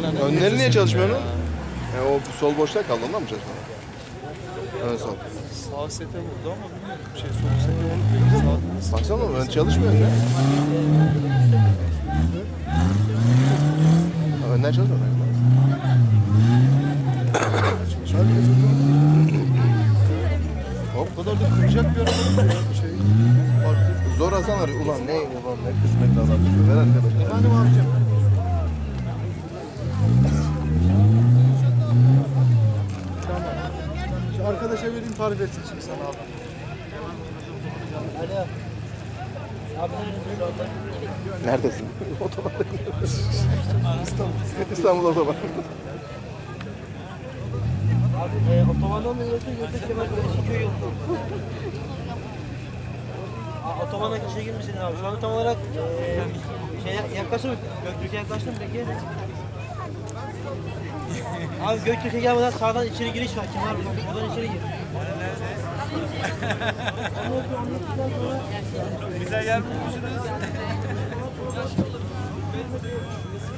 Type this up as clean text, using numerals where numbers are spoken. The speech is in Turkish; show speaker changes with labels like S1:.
S1: Önleri niye çalışmıyor onun? O sol boşta kaldı, ondan mı çalışmıyor? Ön sol.
S2: Sağ sete vurdu ama bilmiyorum. Sol sete vurdu.
S1: Baksana ön çalışmıyor ya. Önler çalışmıyor.
S2: O kadar da kıracak bir araba farklı.
S1: Zor Hasan arıyor. Ulan ne kısmetli adam. Ver arkadaşlar.
S2: Efendim abicim. Tamam. Şu arkadaşa vereyim, tarif etsin şimdi sana abi.
S3: Alo. Abi
S1: Neredesin? Otobanda. İstanbul otoban.
S3: abi otobandan mı yoksa Kemal Kılıçköy yolunda? Otobana geçe girmişsiniz abi. Şu an tam olarak yaklaştın mı? Göktürk'e yaklaştın mı peki? Abi Göktürk'e gelmeden sağdan içeri giriş var. Kemal abi oradan içeri gir.
S4: Bize yer bulmuşsunuz.